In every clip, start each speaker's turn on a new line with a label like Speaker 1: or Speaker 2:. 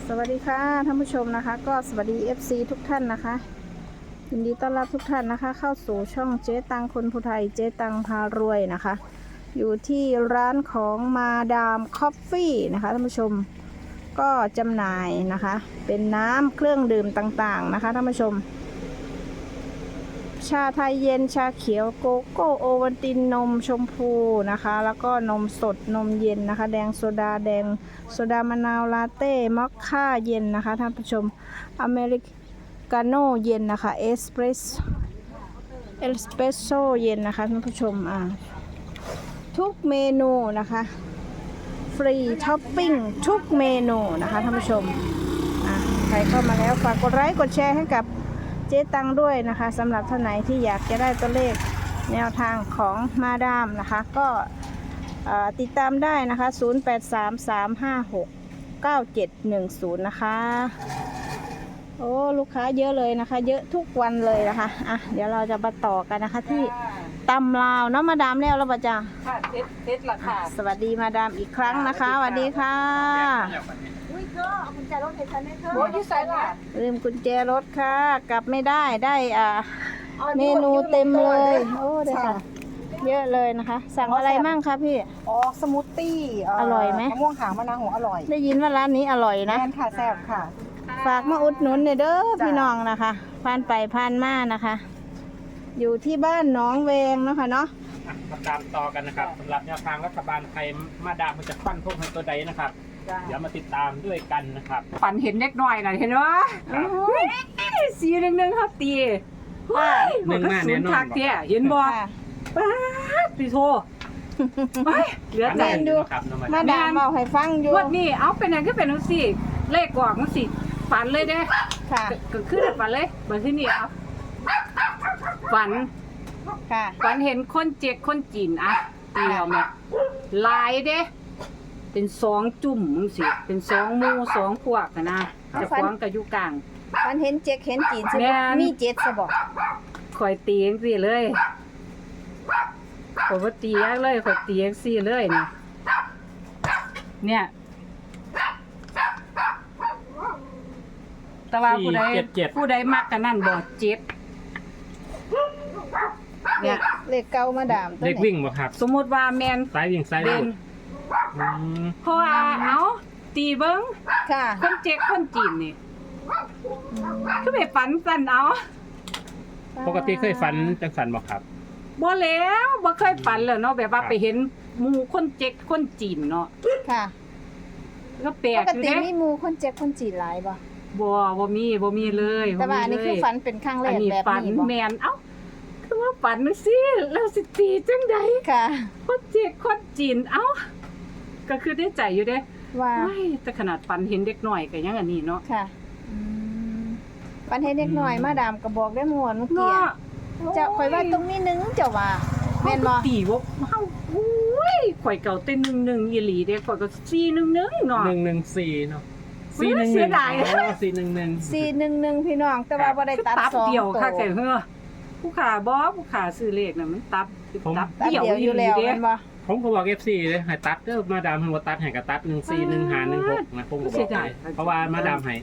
Speaker 1: สวัสดีค่ะท่านผู้ชมนะคะก็สวัสดี FC ทุกท่านนะคะยินดีต้อนรับทุกท่านนะคะเข้าสู่ช่องเจ๊ตังคนผู้ไทยเจ๊ตังพารวยนะคะอยู่ที่ร้านของมาดามคอฟฟี่นะคะท่านผู้ชมก็จำหน่ายนะคะเป็นน้ำเครื่องดื่มต่างๆนะคะท่านผู้ชมชาไทยเย็นชาเขียวโกโก้โอวัลตินนมชมพูนะคะแล้วก็นมสดนมเย็นนะคะแดงโซดาแดงโซดามะนาวลาเต้มอคค่าเย็นนะคะท่านผู้ชมอเมริกาโน่เย็นนะคะเอสเปรสโซ่เย็นนะคะท่านผู้ชมทุกเมนูนะคะฟรีท็อปปิ้งทุกเมนูนะคะท่านผู้ชมใครเข้ามาแล้วฝากกดไลค์กดแชร์ให้กับเจ๊ตังด้วยนะคะสำหรับท่านไหนที่อยากจะได้ตัวเลขแนวทางของมาดามนะคะก็ติดตามได้นะคะ0833569710นะคะโอ้ลูกค้าเยอะเลยนะคะเยอะทุกวันเลยนะคะเดี๋ยวเราจะมาต่อกันนะคะที่ตำลาวเนาะมาดามแล้วป่ะจ๊ะ
Speaker 2: ค่ะเซ็ตละค่ะ
Speaker 1: สวัสดีมาดามอีกครั้งนะคะสวัสดีค่ะ
Speaker 2: อุ้ยก็เอากุญแจรถให้ฉันได้เถอะโอ้ยใส่ละ
Speaker 1: ลืมกุญแจรถค่ะกลับไม่ได้เมนูเต็มเลยโอ้เดี๋ยวค่ะเยอะเลยนะคะสั่งอะไรมั่งคะพี่
Speaker 2: สมูทตี้
Speaker 1: อร่อยไหม
Speaker 2: มะม่วงหางมะนาวหัวอร่อย
Speaker 1: ได้ยินว่าร้านนี้อร่อยนะ
Speaker 2: แม่นค่ะแซ่บค่ะ
Speaker 1: ฝากมาอุดหนุนเด้อพี่น้องนะคะผ่านไปผ่านมานะคะอยู่ที่บ้านหนองเวงเนาะค่ะเนาะ
Speaker 3: มาตามต่อกันนะครับสำหรับแนวทางรัฐบาลไทยมาดามมันจะฟันพวกให้ตัวใดนะครับเดี๋ยวมาติดตามด้วยกันนะครับ
Speaker 2: ฝันเห็นเล็กน้อยน่ะเห็นไหมสีหนึ่งครับตี
Speaker 3: หนึ่งมาแน่นอน
Speaker 2: เห็นบ่ป้าพี่โทเหลือใจ
Speaker 1: ดูมาดามเอาให้ฟังอยู่
Speaker 2: วันนี้เอาเป็นอย่างก็เป็นสิเลขกว่ามันสิฝันเลยเด้
Speaker 1: ค่ะ
Speaker 2: ก็คือฝันเลยแบบที่นี่เอาฝัน
Speaker 1: ค่ะ
Speaker 2: ฝันเห็นคนเจ๊กคนจีนตีเอาไหมลายเด้เป็น2จุ่มมึงสิเป็น2หมู่2พวกนะจะฟ้องกับอยู่กลาง
Speaker 1: ฝันเห็นเจ๊กเห็นจีนสิมีเจ็ดซะบ่
Speaker 2: ข่อยตีจังซี่เลยข่อยบ่ตีเลยข่อยตีจังซี่เลยเนี่ยแต่ว่าผู้ใดมักกันนั่นบ่เจ็บ
Speaker 1: เนี่ยเลขเก่ามาดาม
Speaker 3: เลขวิ่งบ่ครับ
Speaker 2: สมมุติว่าแม่น
Speaker 3: สายวิ่งสายวิ่ง
Speaker 2: เพราะว่าเอาตีเบิ่ง
Speaker 1: ค่ะ
Speaker 2: คนเจ๊กคนจีนนี่คือไปฝันสั่นเอา
Speaker 3: ปกติเคยฝันจังสันบ่ครับ
Speaker 2: บ่แล้วบ่เคยฝันเลยเนาะแบบว่าไปเห็นหมู่คนเจ๊กคนจีนเนาะ
Speaker 1: ค่ะ
Speaker 2: ก็แปลกอยู่เด้
Speaker 1: ปกติมีหมู่คนเจ๊กคนจีนหลายบ่
Speaker 2: บ่มีเลย
Speaker 1: แต่ว่าอันนี้คือฝันเป็นครั้งแรกแบบนี้บ่
Speaker 2: ฝันแม่นเอ้าคือว่าฝันสิแล้วสิตีจังได๋
Speaker 1: ค่ะ
Speaker 2: คนเจ๊กคนจีนเอ้าก็คือได้ใจอยู่เด้
Speaker 1: ว่า
Speaker 2: แต่ขนาดฝันเห็นเด็กน้อยก็ยังอันนี้เนาะ
Speaker 1: ค่ะฝันเห็นเด็กน้อยมาดามก็บอกได้ม่วนเมื่อกี้จะข่อยว่าตรงนี้นึงเจ้าว่าแม่นบ่
Speaker 2: ตีบ่เฮาอุ้ยข่อยเก่าเต้น11อีหลีเด้ข่อยก็411เนาะ
Speaker 3: 114เนาะ
Speaker 2: 411เสียดาย
Speaker 3: 411
Speaker 1: พี่น้องแต่ว่าบ่ได้ตัด2
Speaker 2: เดียวค่ะแกผู้ขาซื้อเลขน่ะมันตับ
Speaker 1: เดียวอยู่แล้วแม่นบ่
Speaker 3: ผมก็บอก FC เลยให้ตัดเด้อมาดามให้บ่ตัดให้ก็ตัด14116นะผมก็บอกเพราะว่ามาดามให้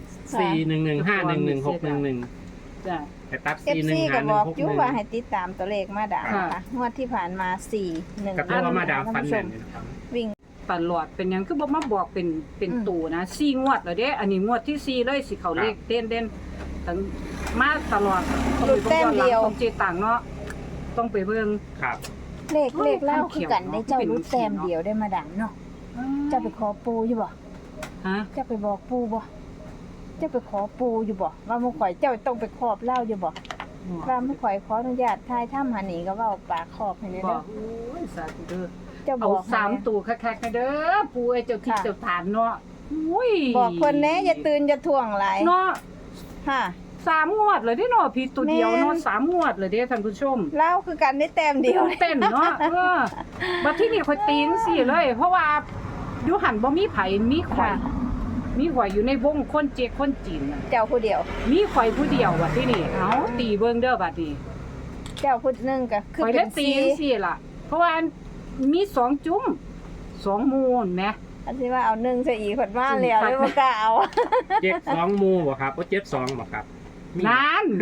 Speaker 3: 411511611
Speaker 2: จ้ะ
Speaker 3: ให้ตัด
Speaker 1: 41516ก็บอกอยู่ว่าให้ติดตามตัวเลขมาดามนะคะงวดที่ผ่านมา4 1
Speaker 3: ก็ว่ามาดามฟันแม่นนะครับ
Speaker 1: วิ่ง
Speaker 2: ตลอดเป็นหยังคือบ่มาบอกเป็นตู่นะ4งวดแล้วเด้อันนี้งวดที่4เลยสิเข้าเลขเด่นตั้งมาตลอด
Speaker 1: แต้มเดียว
Speaker 2: ของเจตังเนาะต้องไปเบิ่ง
Speaker 3: ครับ
Speaker 1: เลขเล่าคือกันได้เจ้ารู้แต้มเดียวได้มาดังเนาะเจ้าไปขอปูอยู่บ่เจ้าไปบอกปูบ่เจ้าไปขอปูอยู่บ่ว่ามื้อข่อยเจ้าต้องไปครอบเล่าอยู่บ่ว่ามื้อข่อยขออนุญาตทายถ้ำหานี่ก็เว้าปากครอบให้เด้อ
Speaker 2: โอ้ยสาธุเด้อ
Speaker 1: เจ้าบอก
Speaker 2: 3ตู่คักๆเด้อปูไอ้เจ้าที่เจ้าฐานเนาะอุ้ย
Speaker 1: บอกเพิ่นแหน่อย่าตื่นอย่าท่วงหลาย
Speaker 2: เนาะ
Speaker 1: ค่ะ
Speaker 2: 3งวดเลยเด้เนาะพี่ตัวเดียวเนาะ3งวดเลยเด้ท่านผู้ชม
Speaker 1: เล่าคือกันได้แต้มเดียว
Speaker 2: เต้นเนาะบัดที่นี่ข่อยตีจังซี่เลยเพราะว่าอยู่หั่นบ่มีไผมีข่อยอยู่ในวงคนเจ๊กคนจีน
Speaker 1: เจ้าผู้เดียว
Speaker 2: มีข่อยผู้เดียวบัดที่นี่เอ้าตีเบิ่งเด้อบัดนี้
Speaker 1: เจ้าผู้นึงก็
Speaker 2: คือเป็นตีจังซี่ล่ะเพราะว่ามี2จุ้ม2มูลแหม
Speaker 1: อันที่ว่าเอา1ซะอีกเพิ่นมาแล้วเลยบ่กล้าเอา
Speaker 3: เจ็ดสองหมู่บ่ครับโอ้72บ่ครับมี
Speaker 2: นั่น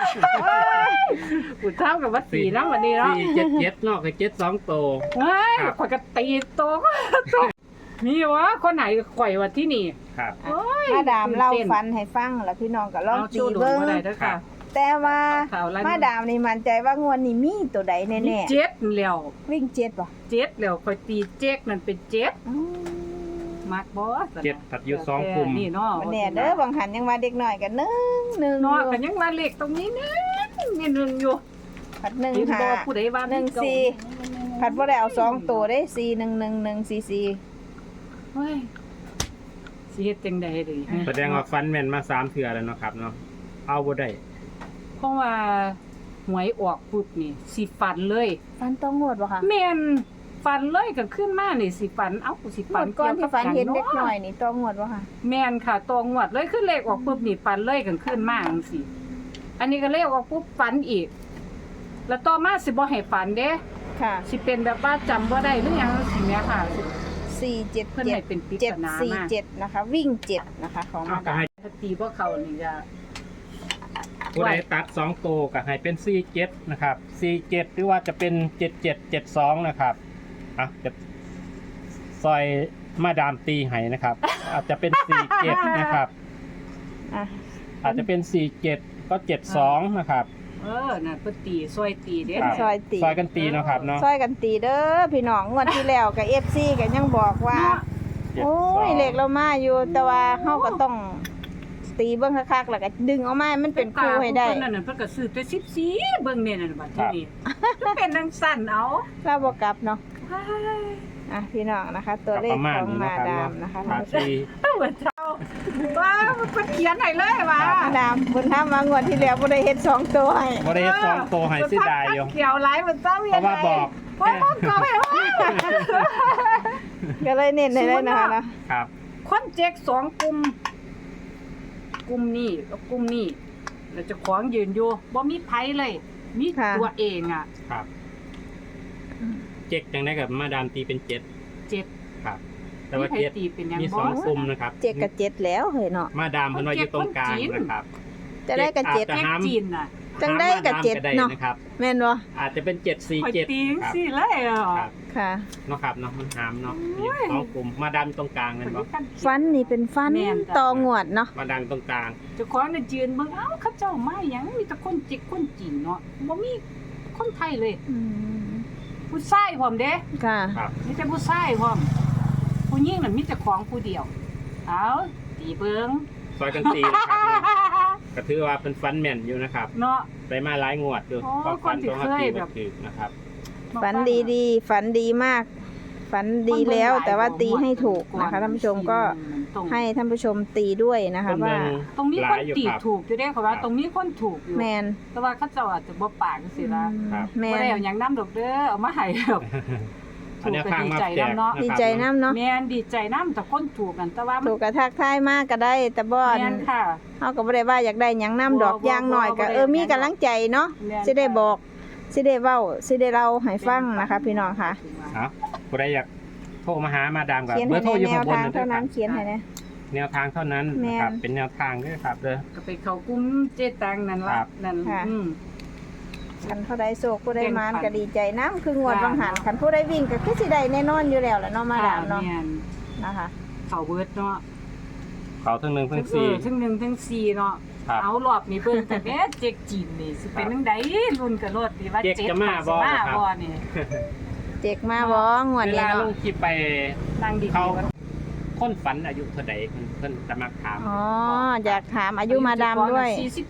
Speaker 2: กูเท่ากับว่าสีแล้ววันนี้เนาะ
Speaker 3: 477เนาะคือ72โต
Speaker 2: เฮ้ย
Speaker 3: ครับ
Speaker 2: ข่อยก็ตีโตมีวะคนไหนข่อยว่าที่นี่
Speaker 3: ครับ
Speaker 2: โอ้ย
Speaker 1: มาดามเล่าฟันให้ฟังแล้วพี่น้องก็ลอง
Speaker 2: เอา
Speaker 1: ตี
Speaker 2: ชูดู
Speaker 1: เบิ่ง
Speaker 2: มาได้เด้อค่ะ
Speaker 1: แต่ว่า
Speaker 2: ข่าวอะไร
Speaker 1: มาดามนี่มั่นใจว่างวดนี้มีตัวใดแน่
Speaker 2: เจ็ดแล้ว
Speaker 1: ๆวิ่ง7บ่
Speaker 2: เจ็ดแล้วข่อยตีเจ๊กนั่นเป็นเจ็ด
Speaker 1: อืม
Speaker 2: มักบ่
Speaker 3: 7ตัดอยู่2กลุ่ม
Speaker 2: นี่เนาะ
Speaker 1: บ่แน่เด้อบางหันยังว่าเด็กน้อยก็1 1
Speaker 2: เนาะกันยังมาเลขตรงนี้นึงอยู่
Speaker 1: ผัด
Speaker 2: เห็นบ่
Speaker 1: 1
Speaker 2: ผู้ใดว่า
Speaker 1: 5 1 4ผัดบ่ได้เอา2ตัวเด้4 1 1 1 4 4
Speaker 2: เฮ้ยสิเฮ็ดจังได๋ดิ
Speaker 3: แสดงว่าฟันแม่นมา3เทื่อแล้วเนาะครับเนาะเอาบ่ได้
Speaker 2: เพราะว่าหวยออกปุ๊บนี่สิฝันเลย
Speaker 1: ฟันต้องงวดบ่คะ
Speaker 2: แม่นฝันเลยกันขึ้นมานี่สิฝันเอ้ากูสิ
Speaker 1: ง
Speaker 2: ฝั
Speaker 1: วน ดก่อนที่ฟันเห็นเด็ก
Speaker 2: กี่ยวกับ
Speaker 1: น้อยนี่ต้องงวดบ่คะ
Speaker 2: แม่นค่ะตองวดเลยขึ้นเลขออกปุ๊บนี่ฝันเลยกันขึ้นมาจังซี่อันนี้ก็เลขออกปุ๊บฝันอีก แล้วต่อมาสิบ่ให้ฝันเด้
Speaker 1: ค่ะ
Speaker 2: สิเป็นแบบว่าจำบ่ได้หรือหยังสิแม่ค่ะสิ
Speaker 1: 4 7
Speaker 2: เพิ่นให้เป็นปริศนามา
Speaker 1: 7 4 7นะคะ วิ่ง7นะคะของ
Speaker 3: เอา
Speaker 1: มา
Speaker 3: ก็
Speaker 1: ดาม
Speaker 3: ให้
Speaker 2: ถ้าตีบ่เข้านี่จะ
Speaker 3: ผู้ใดตัด2โตก็ให้เป็น47นะครับ47หรือว่าจะเป็น7772นะครับอ่ะจะซอยมาดามตีให้นะครับ อาจจะเป็น47นะครับ
Speaker 1: อ่ะ
Speaker 3: อาจจะเป็น47ก็72นะครับ
Speaker 2: นั่นเพิ่นตีซอยตีเด้
Speaker 3: ครับ
Speaker 1: ซอยตี
Speaker 3: ซอยกันตีเนาะครับเนาะ
Speaker 1: ซอยกันตีเด้อพี่น้องงวดที่แล้วกับ FC ก็ยังบอกว่า โอ้ยเลขเรามาอยู่แต่ว่าเฮาก็ต้องตีเบิ่งคักๆแล้วก็ดึงออกมาให้มันเป็นคู่ให้ได้
Speaker 2: เพิ่นนั่นนะเพิ่นก็ซื้อแต่14เบิ่งเนี่ยนั่นบัดที่นี่มันเป็นจังซั่นเอา
Speaker 1: เราบ่กลับเนาะ
Speaker 2: ว้าย
Speaker 1: อ่ะพี่น้องนะคะ ตัวเลข
Speaker 3: ประมาณ
Speaker 1: ของ
Speaker 3: นี้
Speaker 1: มา
Speaker 3: นะครับ
Speaker 1: ดามนะคะ
Speaker 3: ขา
Speaker 1: ท่านผู้ชม
Speaker 3: ตี
Speaker 2: เหมือนเจ้าว้ามันเขียนให้เลยว่ะ
Speaker 1: มาดามเพิ่นถามว่างวดที่แล้วบ่ได้เฮ็ด2ตัวให้
Speaker 3: บ่ได้สองโตให้เสียดายอยู่
Speaker 2: เขียวหลายเหมือนเจ้า
Speaker 3: เพราะว่าบอก
Speaker 2: เพราะว่าก็ไม่ว่า
Speaker 1: ก็เลยเน้นให้เลยนะคะเนาะ
Speaker 3: ครับ
Speaker 2: คนเจ๊ก2กลุ่มกลุ่มนี้กับกลุ่มนี้แล้วเจะของยืนอยู่บ่มีไผเลยมีตัวเองอ่ะ
Speaker 3: ครับ เจ็กจังได้กับมาดามตีเป็น7
Speaker 2: 7
Speaker 3: ครับ แต่ว่า
Speaker 2: มีไผ
Speaker 3: เจ็ด
Speaker 2: ตีเป็นหยัง
Speaker 3: มี
Speaker 2: บ่
Speaker 3: 2กลุ่มนะครับ
Speaker 1: 7กับ7แล้วเฮ้ยเนาะ
Speaker 3: มาดามเพิ่นว่าอยู่ตรงกลางนะครับ
Speaker 1: จะได้กับ
Speaker 3: เจ็ด
Speaker 2: เจ๊กจีนน่ะ
Speaker 1: จังได้กับ
Speaker 3: หา
Speaker 1: เจ็ด
Speaker 3: มาามก็ไ
Speaker 1: เนาะ
Speaker 3: นะครับ
Speaker 1: แม่นบ่
Speaker 3: อาจจะเป็น
Speaker 2: ข่อยตี
Speaker 3: 747
Speaker 2: จัง
Speaker 3: ครับ
Speaker 2: ซี่เลยอ่ะ
Speaker 3: ครับ
Speaker 1: ค่ะ
Speaker 3: เนาะครับเนาะมันหามเนาะมีสองกลุ่มมาดามตรงกลางนั่นบ่
Speaker 1: ฟันนี่เป็นฟันต่องวดเนาะ
Speaker 3: มาดามตรงกลาง
Speaker 2: เจ้าของน่ะยืนเบิ่งเอ้าเขาเจ้ามาหยังมีแต่คนจิกคนจีนเนาะบ่มีคนไทยเลย
Speaker 1: อืม
Speaker 2: ผู้ชายพร้อมเด้
Speaker 1: ค่ะ
Speaker 3: ครับ
Speaker 2: มีแต่ผู้ชายพร้อมผู้หญิงน่ะมีแต่ของผู้เดียวเอาตีเบิ่ง
Speaker 3: ซอยกันตีนะครับก็ถือว่าเป็นฟันแม่นอยู่นะครับ
Speaker 2: เนาะ
Speaker 3: ได้มาหลายงวดอยู่
Speaker 2: อ๋อ
Speaker 3: ก็ฟัน
Speaker 2: คนที่
Speaker 3: ตรงกับ
Speaker 2: เคย
Speaker 3: ตี
Speaker 2: แบบ
Speaker 3: บ่ถือนะครับ
Speaker 1: ฝันดีๆฝันดีมาก ฝันดีแล้วแต่ว่าตีให้ถูกนะคะท่านผู้ชมก็ให้ท่านผู้ชมตีด้วยนะคะว่า
Speaker 2: ตรงนี้
Speaker 3: ห
Speaker 2: ค
Speaker 3: ลาน ยอยู่
Speaker 2: ตี
Speaker 3: ครับ
Speaker 2: ถูกอยู่เด้เขาว่าตรงนี้คนถูกอยู่
Speaker 1: แมน
Speaker 2: แต่ว่าเขาเจ้าอาจจะบ่ปากจังซี่ล่ะ
Speaker 3: ครับ
Speaker 1: แม
Speaker 2: บ่
Speaker 1: น
Speaker 2: ได้เอาหยังนำดอกเด้อเอามาให้ดอก
Speaker 3: อันนี้ข้างมาแจก
Speaker 2: เนาะ
Speaker 1: ดี
Speaker 3: นะครับ
Speaker 1: ใจน้ำเนาะ
Speaker 2: แม่นดีใจนำแต่คนถูกกันแต่ว่ามั
Speaker 1: ถูกกระทักทายมากก็ได้ แต่บ่อน
Speaker 2: แม่นค่ะ
Speaker 1: เฮาก็บ่ได้ว่าอยากได้หยังน้ำดอก
Speaker 2: บ่
Speaker 1: อย่างน้อยก็
Speaker 2: บ่ได้
Speaker 1: มีกำลังใจเนาะ
Speaker 2: แม่น
Speaker 1: สิได้บอกสิได้เว้าสิได้เล่าให้ฟังนะคะ พี่น้องค่ะ
Speaker 3: เอาผู้ใดอยากโทรมาหามาดามกับ
Speaker 1: เขียน
Speaker 3: เบอ
Speaker 1: ให้
Speaker 3: ร์โทร
Speaker 1: ใน
Speaker 3: อยู่
Speaker 1: แน
Speaker 3: ข้าง
Speaker 1: ว
Speaker 3: บน
Speaker 1: ทาง
Speaker 3: นะค
Speaker 1: เท่า
Speaker 3: รั
Speaker 1: นั้น
Speaker 3: บ
Speaker 1: เขียนให้นะ
Speaker 3: แนวทางเท่านั้น
Speaker 1: แม่น
Speaker 3: นะครับเป็นแนวทางด้วยครับเด้อ
Speaker 2: ก็ไปเข้ากลุ่มเจตังนั่น
Speaker 3: ครั
Speaker 2: ล่ะ
Speaker 3: บ
Speaker 2: นั่น
Speaker 1: ค่ะ
Speaker 2: อืม
Speaker 1: คันผู้ใดโศกผู้ใดมาน
Speaker 2: แบ่งปัน
Speaker 1: ก็ดีใจน้ำคืองวด
Speaker 2: ค่ะ
Speaker 1: บางหันคันผู้ใดวิ่งก็คือสิได้แน่นอนอยู่แล้วแหละเนาะมาดามเนาะ
Speaker 2: แม่น
Speaker 1: นะคะ
Speaker 2: เข้าเบิดเนาะ
Speaker 3: เขาทั้งหนึ่งทั้งสี่
Speaker 2: ทั้ง1ทั้ง4เนาะ
Speaker 3: ครับ
Speaker 2: เอารอบนี้เบิ่งแต่แม่เจ๊กจีนนี่สิเป็นจังไดรุ่นกับรถดีว่า
Speaker 3: เจ๊กจะมาบ่
Speaker 2: สิมา
Speaker 3: ครับ
Speaker 2: บ่นี่
Speaker 1: เจ็กมาบ่งวด
Speaker 3: เว
Speaker 1: นี้
Speaker 3: ลาล
Speaker 1: เนาะ
Speaker 3: งคลิปไป
Speaker 2: นั่งดี
Speaker 3: เขาคนฝันอายุเท่าใดเพิ่นจะมาถาม
Speaker 1: อ๋ออยากถามอายุมาดามด้วย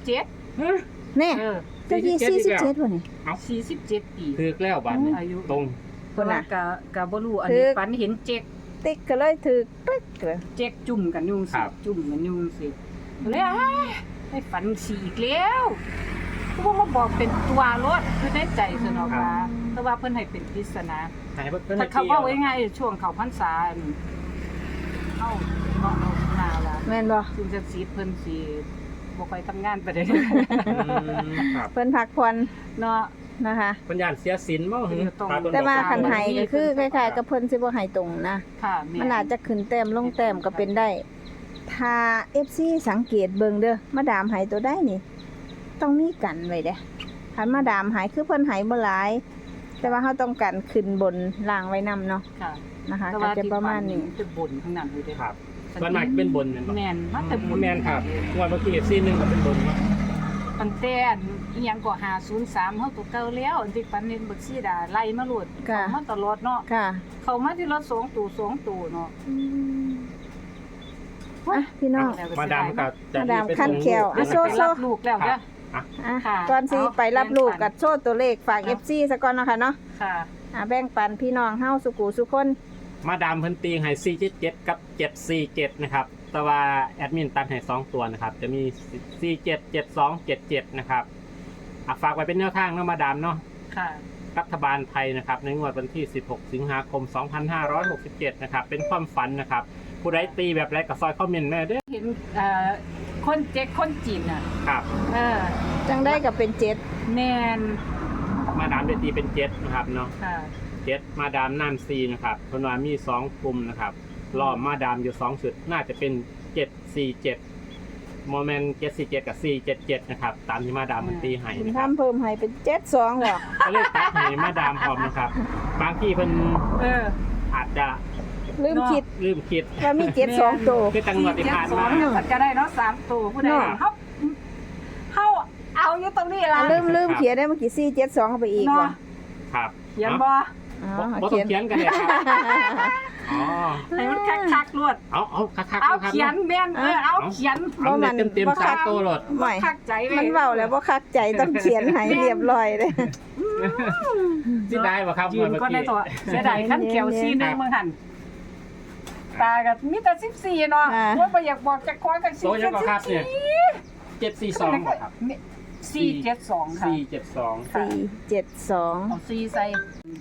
Speaker 2: 47
Speaker 1: นี่
Speaker 2: เออ
Speaker 1: เจ้ายี่47บ่นี่
Speaker 2: 47ปี
Speaker 3: ถือแล้วบัดนี้
Speaker 2: อายุ
Speaker 3: ตรง
Speaker 1: พุ่นน่ะ
Speaker 2: ก็บ่รู้อันนี้ฝันเห็นเจ๊ก
Speaker 1: ติ๊กก็เลยถือตึ๊กเลย
Speaker 2: เจ๊กจุ่มกันอยู่
Speaker 3: ครั
Speaker 2: สิ
Speaker 3: บ
Speaker 2: จุ่มกันอยู่สิเลยให้ฝันสีอีกแล้วพวกมาบอกเป็นตัวรถคือได้ใจสนอกว่าแต่ว่าเพิ่นให้เป็นปริศนา
Speaker 3: หายเพิ่น
Speaker 2: ถ้าเขาเว้าง่ายๆช่วงเขาพรรษาเอ้าเนาะเอาหน้าล่ะ
Speaker 1: แม่นบ่
Speaker 2: ซึ่งจะสีเพิ่นสิบ่ค่อยทำงานไปได้
Speaker 3: อืมครับ
Speaker 1: เพิ่นพักผ่อน
Speaker 2: เนาะ
Speaker 1: นะคะ
Speaker 3: ปัญญาเสียสินบ่หึ
Speaker 1: แต่ว่าคันไห้ก็คือคล้ายๆกับเพิ่นสิบ่ไห้ตรงนะ
Speaker 2: ค่ะ
Speaker 1: มันอาจจะขึ้นแต้มลงแต้มก็เป็นได้ ถ้า FC สังเกตเบิ่งเด้อมาดามไห้ตัวได้นี่ ต้องมีกันไว้เด้คันมาดามไห้คือเพิ่นไห้บ่หลาย แต่ว่าเฮาต้องกันขึ้นบนล่างไว้นํเนาะ
Speaker 2: ค่ะ
Speaker 1: นะคะ
Speaker 2: แต่
Speaker 1: ก็
Speaker 2: ว่า
Speaker 1: จะประมาณนี้
Speaker 2: จะบนทั้งนั้นเลยเด้
Speaker 3: ครับส่วนมากเป็นบนแม่นบ่
Speaker 2: แม่นมันแต่บน
Speaker 3: แม่นครับงวดเมื่อกี้ซีนึงก็เป็นบนเนาะ
Speaker 2: ตั้งแต่อีหยังก็503เฮาตัวเก่าแล้วอันที่ปันนี้บักซีดาไล่มาโลด
Speaker 1: ค่ะ
Speaker 2: เข้ามาตลอดเนาะ
Speaker 1: ค่ะ
Speaker 2: เข้ามาที่รถ2ตัวเนาะ
Speaker 1: อ่ะพี่น้อง
Speaker 3: มาดามก็จะ
Speaker 1: มาดาม
Speaker 3: ไป
Speaker 1: ขั้นแขว
Speaker 3: ส่
Speaker 1: อ่ะ
Speaker 3: ง
Speaker 1: โซ่
Speaker 3: ลูก
Speaker 1: โซ่
Speaker 2: รับลูกแล้วเด้อ
Speaker 3: อ่ะ
Speaker 1: อ่ะ
Speaker 2: ค่ะ
Speaker 1: ก่อนสิ
Speaker 2: เอา
Speaker 1: ไปรับลูก
Speaker 2: แบ่งปัน
Speaker 1: กับโชว์ตัวเลขฝาก
Speaker 2: เอา
Speaker 1: FC ซะก่อนเนาะค่ะเนาะ
Speaker 2: ค่ะ
Speaker 1: แบ่งปันพี่น้องเฮาสุกูสุคน
Speaker 3: มาดามเพิ่นตีให้477กับ747นะครับแต่ว่าแอดมินตัดให้2ตัวนะครับจะมี477277นะครับฝากไว้เป็นแนวทางเนาะมาดามเนาะ
Speaker 2: ค่ะ
Speaker 3: รัฐบาลไทยนะครับในงวดวันที่ 16 สิงหาคม 2567 นะครับเป็นความฝันนะครับผู้ใดตีแบบไรก็ซอยคอมเมนต์แม่เด้อ
Speaker 2: เห็นคนเจ๊กคนจีนน่ะ
Speaker 3: ครับ
Speaker 2: เออ
Speaker 1: จังได้กับเป็นเจ็ด
Speaker 2: แม่น
Speaker 3: มาดามได้ตีเป็น7นะครับเนาะ
Speaker 2: ค่ะ
Speaker 3: 7มาดามน้ำซีนะครับเพิ่นว่ามี2กลุ่มนะครับรอบมาดามอยู่2ชุดน่าจะเป็น747โมเมนต์747กับ477นะครับตามที่มาดามมันตีให้
Speaker 1: คุณ
Speaker 3: นะครับ
Speaker 1: ทำเพิ่มให้เป็น72เหรอ
Speaker 3: ก็เลยตัดให้มาดามพร้อมนะครับบางที่เพิ่น
Speaker 2: เออ
Speaker 3: อาจจะ
Speaker 1: ลืมคิด
Speaker 3: ลืมคิด
Speaker 1: ว่ามี72ตัว
Speaker 3: คือจังหวัดที่ผ่านมา
Speaker 2: 472มันก็ได้เนาะ3ตัวผู้ใด
Speaker 1: เนาะ
Speaker 2: เฮาเอาอยู่ตรงนี้ล่ะ
Speaker 1: ลืมเขียนได้เมื่อกี้472เข้าไปอีกว่ะ
Speaker 3: ครับ
Speaker 2: เขียนบ่
Speaker 1: อ๋อ
Speaker 3: บ่ต้
Speaker 1: เขี
Speaker 3: อย ง
Speaker 1: น
Speaker 3: เขียนกันเลยครับอ๋อ
Speaker 2: ให้มันคักๆรวด
Speaker 3: เอาคักๆ
Speaker 2: เอา
Speaker 3: นะครับ
Speaker 2: เขียนแม่นเอาเขียน
Speaker 3: เอาเต็มเต็มๆสามตัวโหลด
Speaker 1: ไม่
Speaker 2: คักใจเลย
Speaker 1: มันเว้าแล้วบ่คักใจต้องเขียนให้เรียบร้อยเลย
Speaker 3: สิได้ป่ะครับ
Speaker 2: ยืนก็ในตัวเสียดายขั้นเขียวซีนึงมึงหันตากับมีแต่14เนาะว่าบ่อยากบอกจะคอยกัน
Speaker 3: โซยังก็ครับเนี่ย742ครับ
Speaker 2: 472ค่ะ
Speaker 3: 472
Speaker 1: 472
Speaker 2: เอา4ใส่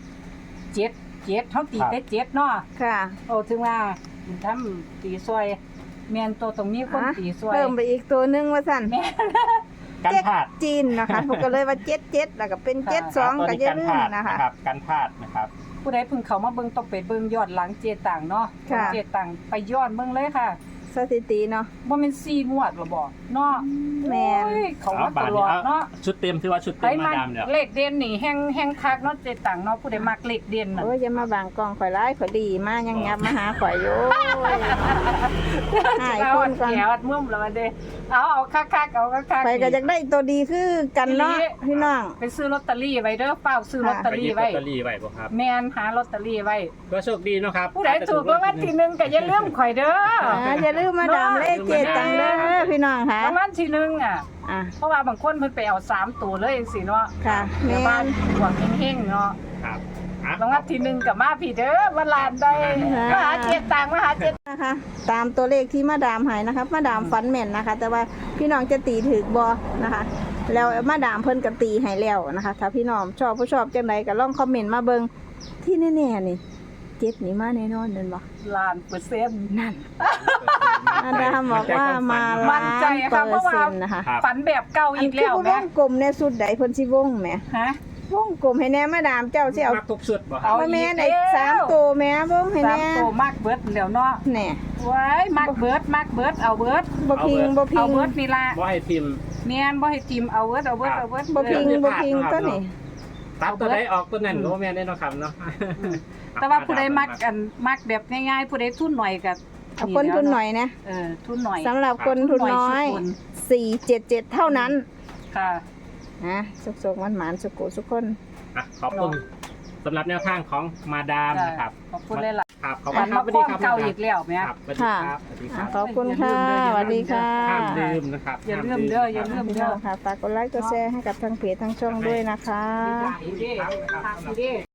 Speaker 2: 7เฮาตีได้7เนาะ
Speaker 1: ค่ะ
Speaker 2: โอ้ถึงว่าบุญทำตีซอยแม่นตัวตรงนี้คน
Speaker 1: อ่ะ
Speaker 2: ตีซอย
Speaker 1: เพิ่มไปอีกตัวหนึงว่าสั่น
Speaker 2: แม่น
Speaker 3: กันพลาด
Speaker 1: จีนนะคะพวกก็เลยว่า77แล้วก็เป็น72ก็อย่าลืมนะคะ
Speaker 3: ครับกันพลาดนะครับ
Speaker 2: ผู้ใดเพิ่งเข้ามาเบิ่งต้องไปเบิ่งยอดหลังเจต่างเนาะ
Speaker 1: ค่ะ
Speaker 2: เจต่างไปย้อนเบิ่งเลยค่ะ
Speaker 1: สถิติเนาะ
Speaker 2: บ่แม่น4งวดหรอบ่เนาะ
Speaker 1: แม่น
Speaker 2: โอ้ยเขามาตลอดเนาะ
Speaker 3: ชุดเต็มที่ว่าชุด
Speaker 2: ไป
Speaker 3: เต็มมา
Speaker 2: มา
Speaker 3: ดามเนี่ย
Speaker 2: เลขเด่นนี่แฮงคักเนาะเจต่างเนาะผู้ใดมักเลขเด่นน่ะ
Speaker 1: โอ้ยอย่ามาบางกองข่อยร้ายข่อยดีมายังยับมาหาข่อยอยู่หาย
Speaker 2: เอา
Speaker 1: คนก่อน
Speaker 2: แก้วมุ่มแล้วมันเด้เอาคักๆเอาคักๆ
Speaker 1: ข่อยก็อยากได้ตัวดีคือกันเนาะพี่น้อง
Speaker 2: ไปซื้อลอตเตอรี่ไว้เด้อเฝ้าซื้อลอตเตอ
Speaker 3: ไปห
Speaker 2: รี่
Speaker 3: ยิบลอ
Speaker 2: ไว้
Speaker 3: ตเตอรี่ไว้บ่ครับ
Speaker 2: แม่นหาลอตเตอรี่ไว้
Speaker 3: ก็โชคดีเนาะครับ
Speaker 2: ผู้ใดถูกรางวัลที่หนึ่งก็อย่าลืมข่อยเด้อ
Speaker 1: อย่าลืมมาดามเลขเจตังเด้อพี่น้องค่ะ
Speaker 2: รางวัลที่หนึ่งอ่ะ
Speaker 1: อ่ะ
Speaker 2: เพราะว่าบางคนเพิ่นไปเอา3ตัวเลยจังซี่เนาะ
Speaker 1: ค่ะ
Speaker 2: แม่
Speaker 1: แม่
Speaker 2: บ้าน
Speaker 1: น
Speaker 2: หวังเฮงๆเนาะ
Speaker 3: ครับ
Speaker 2: รางวัลที่หนึ่งก็มาพี่เด้อวันลานได้มาหาเจ็ดตังค์มาหาเจ็ด
Speaker 1: นะคะ ตามตัวเลขที่มาดามใหายนะคะมาดามฟันแม่นนะคะ แต่ว่าพี่น้องจะตีถือบอนะคะ แล้วมาดามเพิ่นก็ตีให้แล้วนะคะ ถ้าพี่น้องชอบผู้ชอบจังไดก็ลองคอมเมนต์มาเบิ่งที่แน่ๆนี่เจ็ดนี่มาแน่นอนเด้อบ่
Speaker 2: ล้านเปอร์เซ็นต์
Speaker 1: นั่น อาดามบอกว่ามา
Speaker 2: มั่
Speaker 1: ล้าน
Speaker 2: ใจค่ะเพ
Speaker 1: เปอ
Speaker 2: ราะ
Speaker 1: ร์
Speaker 2: ว่า
Speaker 1: เซ็นต์นะคะ
Speaker 3: ครับ
Speaker 2: ฝันแบบเก่าอีกแล้ว
Speaker 1: ว
Speaker 2: แม่
Speaker 1: งกลมในสุดใดเพิ่นสิวงแหม
Speaker 2: ฮะ
Speaker 1: วงกลมให้แน่มาดามเจ้าสิเอา
Speaker 3: มักทุกชุดบ่ค
Speaker 2: เอา
Speaker 3: รับ
Speaker 1: บ่แม่นไอ้3ตัวแหม่วงให้
Speaker 2: สาม
Speaker 1: แน่
Speaker 2: ตัวมากเบิดแล้วเนาะ
Speaker 1: แน่
Speaker 2: ไว้มากเบิดเอาเบิด
Speaker 1: บ่พิงบ่พิ
Speaker 2: เอา
Speaker 1: ง
Speaker 2: เบิดนี่ล่ะ
Speaker 3: บ่ให้พิมพ์
Speaker 2: แม่นบ่ให้ติมเอาเบิด
Speaker 1: บ่พิง
Speaker 3: เออ
Speaker 1: บ่พิงตัวนี้
Speaker 3: ตัดตัวใดออกตัวนั้นบ่แม่นได้เนาะครับเนาะ
Speaker 2: แต่ว่าผู้ใดมักมักแบบง่ายๆผู้ใดทุนหน่อยก็
Speaker 1: เอาคนทุนหน่อยนะ
Speaker 2: ทุนหน่อย
Speaker 1: สำหรับคนทุนน้อย 477 เท่านั้น
Speaker 2: ค่ะ
Speaker 1: นะสุกๆหวานๆสุกุสุกคน
Speaker 3: อ่ะขอบคุณสำหรับแนวทางของมาดามนะครับ
Speaker 2: ขอบคุณเลยล่ะ
Speaker 3: ครับขอบ
Speaker 2: ฝั
Speaker 3: คุ
Speaker 2: น
Speaker 3: ณครั
Speaker 2: มา
Speaker 3: บสวัส
Speaker 2: ค
Speaker 3: ดี
Speaker 2: ล้อง
Speaker 3: ครับ
Speaker 2: เก่าอีกแล้วแม่
Speaker 3: ครับสวัสดีครับสวัสดีค
Speaker 1: อ่ะ
Speaker 3: รับ
Speaker 1: ขอบคุณค่ะสวัสดีค่ะ
Speaker 3: ห้ามลืมนะครับ
Speaker 2: อย่าลืมเด้ออย่าลืม
Speaker 1: พี่น้องค่ะฝากกดไลค์กดแชร์ให้กับทางเพจทางช่องด้วยนะคะ
Speaker 2: ดีเด้